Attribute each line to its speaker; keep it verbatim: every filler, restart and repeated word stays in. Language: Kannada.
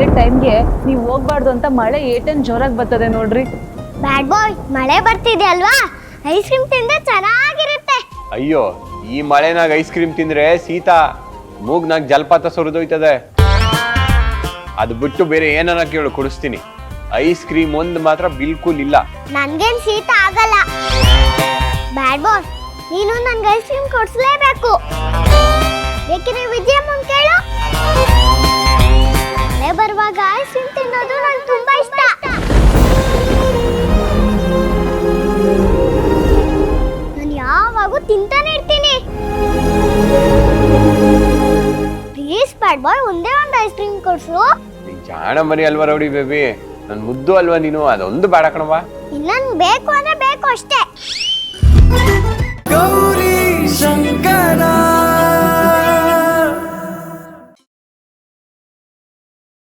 Speaker 1: ಮಳೆ ಟೈಮ್ಗೆ ನೀವು ಹೋಗ್ಬಾರ್ದು ಅಂತ ಮಳೆ ಏಟನ್ ಜೋರಾಗಿ ಬರ್ತದೆ ನೋಡ್ರಿ.
Speaker 2: ಬ್ಯಾಡ್ ಬಾಯ್, ಮಳೆ ಬರ್ತಿದೆ ಅಲ್ವಾ, ಐಸ್ ಕ್ರೀಮ್ ತಿಂದ್ರೆ ಚೆನ್ನಾಗಿರುತ್ತೆ.
Speaker 3: ಅಯ್ಯೋ, ಈ ಮಳೆನಾಗ ಐಸ್ ಕ್ರೀಮ್ ತಿಂದ್ರೆ ಶೀತ, ಮೂಗ್ನಾಗ ಜಲಪಾತ ಸುರಿದೋಯ್ತದೆ. ಅದು ಬಿಟ್ಟು ಬೇರೆ ಏನಾರ ಕೇಳು, ಕುಡಿಸ್ತೀನಿ. ಐಸ್ ಕ್ರೀಮ್ ಒಂದು ಮಾತ್ರ ಬಿಲ್ಕುಲ್ ಇಲ್ಲ.
Speaker 2: ನನ್ಗೇನ್ ಶೀತ ಆಗಲ್ಲ. ಬ್ಯಾಡ್ ಬಾಯ್, ನೀನು ನನ್ಗೆ ಐಸ್ ಕ್ರೀಮ್ ಕೊಡ್ಸ್ಲೇಬೇಕು. ಬೇಕಿದ್ರೆ ವಿಜಯಮ್ಮನ್ ಕೇಳು. ಮಳೆ ಬರುವಾಗ ಐಸ್ ಕ್ರೀಮ್ ತಿನ್ನೋದು ನಂಗೆ ತುಂಬಾ ಇಷ್ಟ. ನಾನು ಯಾವಾಗೂ ತಿಂತಾನೆ ಇರ್ತೀನಿ. ಪ್ಲೀಸ್ ಬ್ಯಾಡ್ ಬಾಯ್, ಒಂದೇ ಒಂದು ಐಸ್ ಕ್ರೀಮ್ ಕೊಡ್ಸು.
Speaker 3: ನೀನ್ ಜಾಣ ಮರಿ ಅಲ್ವಾ ರೌಡಿ ಬೇಬಿ, ನನ್ ಮುದ್ದು ಅಲ್ವಾ ನೀನು, ಅದೊಂದು ಬೇಡ ಕಣವಾ.
Speaker 2: ಇನ್ನೊಂದು ಬೇಕು ಅಂದ್ರೆ ಬೇಕು ಅಷ್ಟೇ.
Speaker 4: ಗೌರಿ ಶಂಕರ